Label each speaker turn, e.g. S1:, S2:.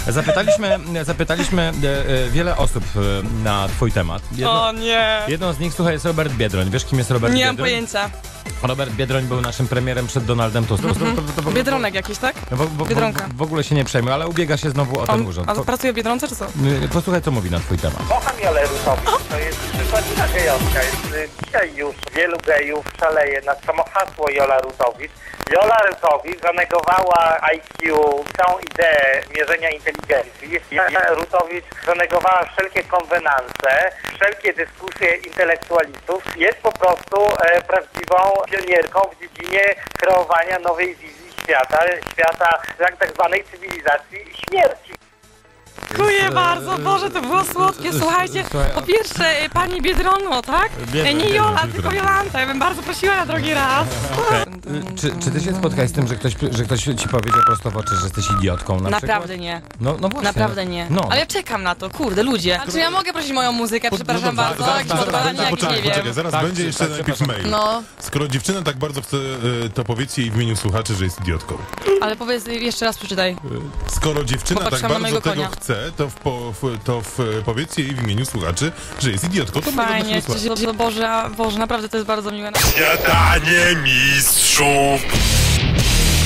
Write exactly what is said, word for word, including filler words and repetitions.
S1: Zapytaliśmy, zapytaliśmy e, e, wiele osób e, na twój temat. Jedno,
S2: O nie.
S1: jedną z nich, słuchaj, jest Robert Biedroń. Wiesz, kim jest Robert
S2: Nie
S1: Biedroń?
S2: mam pojęcia.
S1: Robert Biedroń był naszym premierem przed Donaldem Tuskiem.
S2: Mhm.
S1: To- to- to- to-
S2: Biedronek jakiś, tak?
S1: W, w, w,
S2: Biedronka.
S1: w ogóle się nie przejmuj, ale ubiega się znowu o ten
S2: On,
S1: urząd.
S2: a
S1: Po,
S2: pracuje w Biedronce, czy co?
S1: y, posłuchaj, co mówi na twój temat.
S3: Kocham Jolę Rutowicz, to jest przykładna gejowska. Jest, y, dzisiaj już wielu gejów szaleje na samo hasło Jola Rutowicz. Jola Rutowicz zanegowała I Q, całą ideę mierzenia inteligencji. Jola Rutowicz zanegowała wszelkie konwenanse, wszelkie dyskusje intelektualistów. Jest po prostu e, prawdziwą pionierką w dziedzinie kreowania nowej wizji świata, świata tak, tak zwanej cywilizacji śmierci.
S2: Dziękuję bardzo, Boże, to było słodkie. Słuchajcie,
S1: Słuchaj,
S2: po pierwsze, y, pani Biedrono, tak?
S1: Biedroń,
S2: E, Nie
S1: Biedroń,
S2: Jola,
S1: Biedroń.
S2: tylko Jolanta. Ja bym bardzo prosiła na drugi raz.
S1: Y, Czy, czy ty się spotkałeś z tym, że ktoś, że ktoś ci powiedział prosto w oczy, że jesteś idiotką na
S2: Naprawdę
S1: przykład?
S2: nie.
S1: No, no właśnie.
S2: Naprawdę nie.
S1: No.
S2: Ale ja czekam na to, kurde, ludzie. A czy ja mogę prosić moją muzykę? Przepraszam
S1: no,
S2: bardzo,
S1: zaraz,
S2: jakieś
S1: zaraz,
S2: odpalanie,
S1: zaraz,
S2: jakieś
S4: Poczekaj,
S2: nie
S4: poczekaj,
S2: wiem.
S4: zaraz
S1: Tak,
S4: będzie
S1: tak,
S4: jeszcze
S1: tak,
S4: najpierw
S1: przepraszam.
S4: mail.
S2: No,
S4: Skoro dziewczyna tak bardzo chce, y, to powiedzcie jej w imieniu słuchaczy, że jest idiotką.
S2: ale powiedz, jeszcze raz przeczytaj.
S4: Skoro dziewczyna
S2: Popatrz
S4: tak
S2: na
S4: bardzo
S2: mojego
S4: tego
S2: konia.
S4: chce, to, w, po, w, to w, powiedzcie jej w imieniu słuchaczy, że jest idiotką. To może
S2: Fajnie,
S4: być wysłać.
S2: cieszę się, Boże, a- Boże, naprawdę to jest bardzo miłe.
S5: Śniadanie mistrzów.